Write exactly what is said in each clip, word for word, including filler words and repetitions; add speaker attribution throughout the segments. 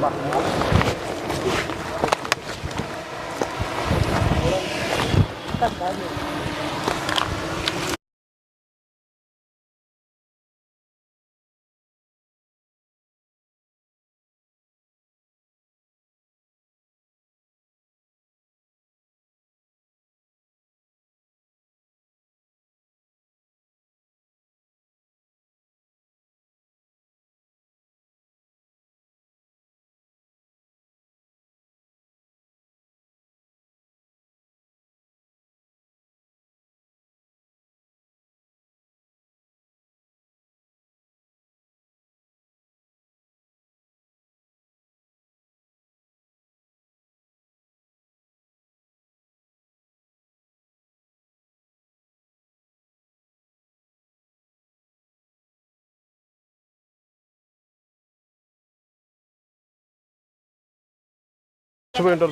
Speaker 1: మీరు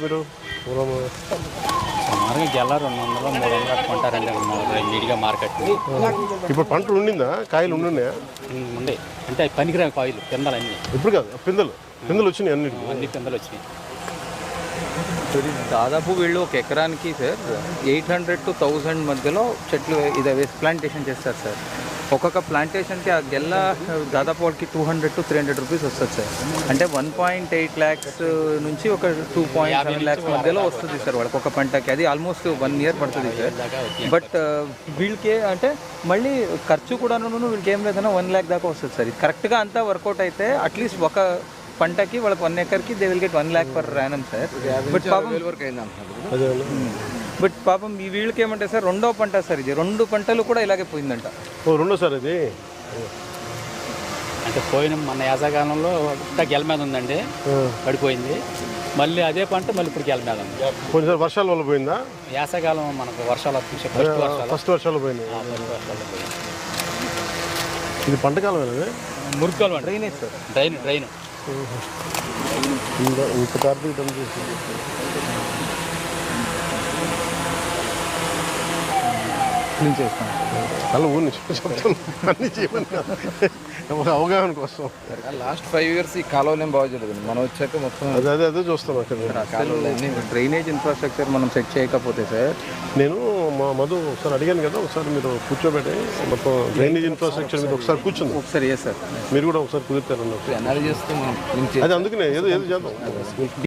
Speaker 2: సుమారుగా గెల రెండు వందల మూడు వందలు కట్టుకుంటారండి నీట్గా మార్కెట్.
Speaker 1: ఇప్పుడు పంటలు ఉండిందా? కాయలు ఉండున్నాయా?
Speaker 2: ఉండే అంటే అవి పనికిరాని కాయలు పిందలు అన్నీ.
Speaker 1: ఇప్పుడు కాదు, పిందలు పిందలు వచ్చినాయి అన్ని
Speaker 2: అన్ని పిందలు వచ్చినాయి.
Speaker 3: దాదాపు వీళ్ళు ఒక ఎకరానికి sir eight hundred to thousand మధ్యలో చెట్లు ఇది వేసి ప్లాంటేషన్ చేస్తారు సార్. ఒక్కొక్క ప్లాంటేషన్కి ఆ గెల్ల దాదాపు వాళ్ళకి two hundred to three hundred rupees వస్తుంది సార్. అంటే వన్ పాయింట్ ఎయిట్ ల్యాక్స్ నుంచి ఒక టూ పాయింట్ సెవెన్ ల్యాక్స్ మధ్యలో వస్తుంది సార్ వాళ్ళకి ఒక పంటకి. అది ఆల్మోస్ట్ వన్ ఇయర్ పడుతుంది సార్. బట్ వీళ్ళకి అంటే మళ్ళీ ఖర్చు కూడాను వీళ్ళకి ఏం లేదన్నా వన్ ల్యాక్ దాకా వస్తుంది సార్. ఇది కరెక్ట్గా అంతా వర్కౌట్ అయితే అట్లీస్ట్ ఒక పంటకి వాళ్ళకి వన్ ఎకర్కి they will get one lakh per annum sir. But పాపం బట్ పాపం ఈ వీళ్ళకి ఏమంటే సార్ రెండో పంట సార్, ఇది రెండు పంటలు కూడా ఇలాగే పోయిందంట.
Speaker 1: రెండో సార్ ఇది
Speaker 2: అంటే పోయిన మన యాసకాలంలో గెల మీద ఉందండి, పడిపోయింది. మళ్ళీ అదే పంట మళ్ళీ ఇప్పుడు గెల మీద ఉంది.
Speaker 1: కొంచెం వర్షాల వల్ల పోయిందా?
Speaker 2: యాసకాలం మనకు వర్షాలు వస్తుంది, ఫస్ట్ వర్షాలు
Speaker 1: ఫస్ట్ వర్షాలు పోయింది.
Speaker 2: వర్షాలు పోయింది.
Speaker 1: ఇది పంటకాలం
Speaker 2: మురికాలు డ్రైనేజ్ సార్, డ్రైన్ డ్రైన్
Speaker 1: ఇంత కార్తీక డమ్ చేసి
Speaker 3: క్లీన్ చేస్తాం
Speaker 1: అలా ఊరిని చెప్తాను అన్నీ చేయమని అవగాహన కోసం.
Speaker 3: లాస్ట్ ఫైవ్ ఇయర్స్ ఈ కాలువలు ఏం బాగా జరుగుతుంది, మనం వచ్చాక మొత్తం
Speaker 1: అదే అదే అదే చూస్తాం అక్కడ.
Speaker 3: డ్రైనేజ్ ఇన్ఫ్రాస్ట్రక్చర్ మనం సెట్ చేయకపోతే సార్,
Speaker 1: నేను మా మధు ఒకసారి అడిగాను కదా, ఒకసారి మీరు కూర్చోబెట్టి మొత్తం డ్రైనేజ్ ఇన్ఫ్రాస్ట్రక్చర్ మీద ఒకసారి కూర్చుంది.
Speaker 3: ఒకసారి ఏ సార్
Speaker 1: మీరు కూడా ఒకసారి కుదురుతారన్నట్టు
Speaker 3: అనాలిసిస్ చేస్తే మనం
Speaker 1: అది అందుకనే ఏదో ఏదో చేద్దాం.